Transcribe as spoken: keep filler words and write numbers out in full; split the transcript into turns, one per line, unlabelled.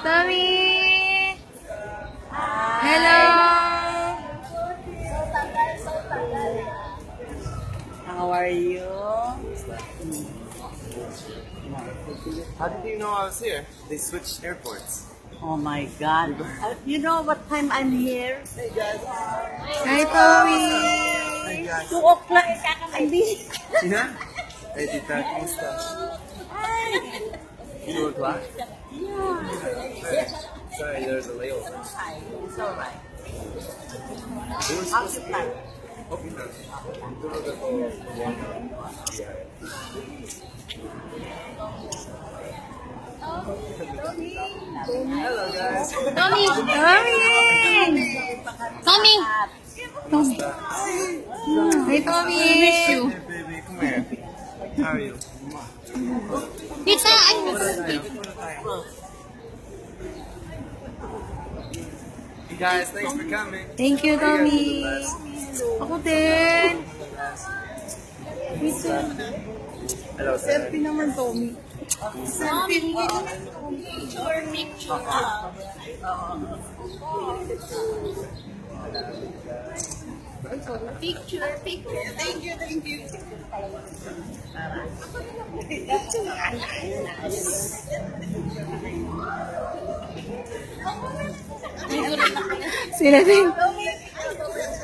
Tommy! Hello! How are you?
How did you know I was here? They switched airports.
Oh my God. Uh, you know what time I'm here?
Hey guys.
Hi, Tommy!
Hey guys.
two o'clock kakakandi.
Yeah? Hey, Tita, kumusta? Two o'clock?
Yeah.
Sorry, there's a layover.
It's alright.
Who was
How's
supposed
your
to
plan?
Okay, na. Hello guys.
Tommy! Tommy! Tommy! Tommy! Hi, Tommy! I miss you.
Hey baby, come here. How are you?
Tita, I
Hey guys, thanks for coming.
Thank you, Tommy. Ako din.
Hello, sir.
Selfie naman, Tommy. Selfie mo.
Picture, picture. Picture, picture. Thank you, thank you.
Sila din.